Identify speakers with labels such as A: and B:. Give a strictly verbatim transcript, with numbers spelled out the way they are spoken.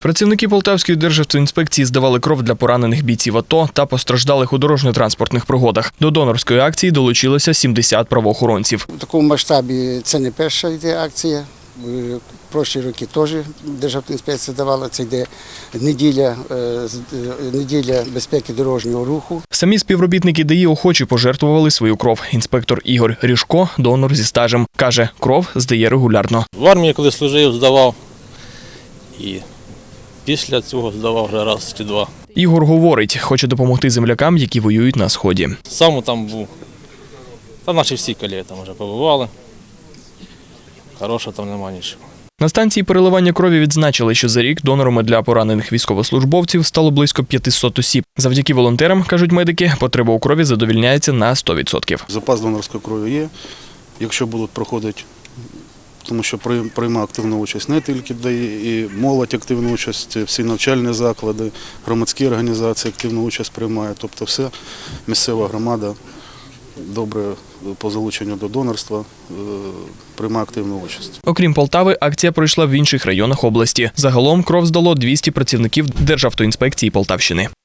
A: Працівники Полтавської державтоінспекції здавали кров для поранених бійців АТО та постраждалих у дорожньо-транспортних пригодах. До донорської акції долучилося сімдесят правоохоронців.
B: У такому масштабі це не перша йде акція. В прошлі роки теж Державтоінспекція давала, це йде неділя, неділя безпеки дорожнього руху.
A: Самі співробітники ДАІ охочі пожертвували свою кров. Інспектор Ігор Ріжко – донор зі стажем. Каже, кров здає регулярно.
C: В армії, коли служив, здавав. І після цього здавав вже раз чи два.
A: Ігор говорить, хоче допомогти землякам, які воюють на Сході.
C: Сам там був. Та наші всі колеги там вже побували. Хорошого там немає нічого.
A: На станції переливання крові відзначили, що за рік донорами для поранених військовослужбовців стало близько п'ятисот осіб. Завдяки волонтерам, кажуть медики, потреба у крові задовільняється на сто відсотків.
D: Запас донорської крові є, якщо будуть проходити, тому що приймає активну участь не тільки ДАІ, і молодь активну участь, всі навчальні заклади, громадські організації активну участь приймають. Тобто вся місцева громада добре по залученню до донорства приймає активну участь.
A: Окрім Полтави, акція пройшла в інших районах області. Загалом кров здало двісті працівників Державтоінспекції Полтавщини.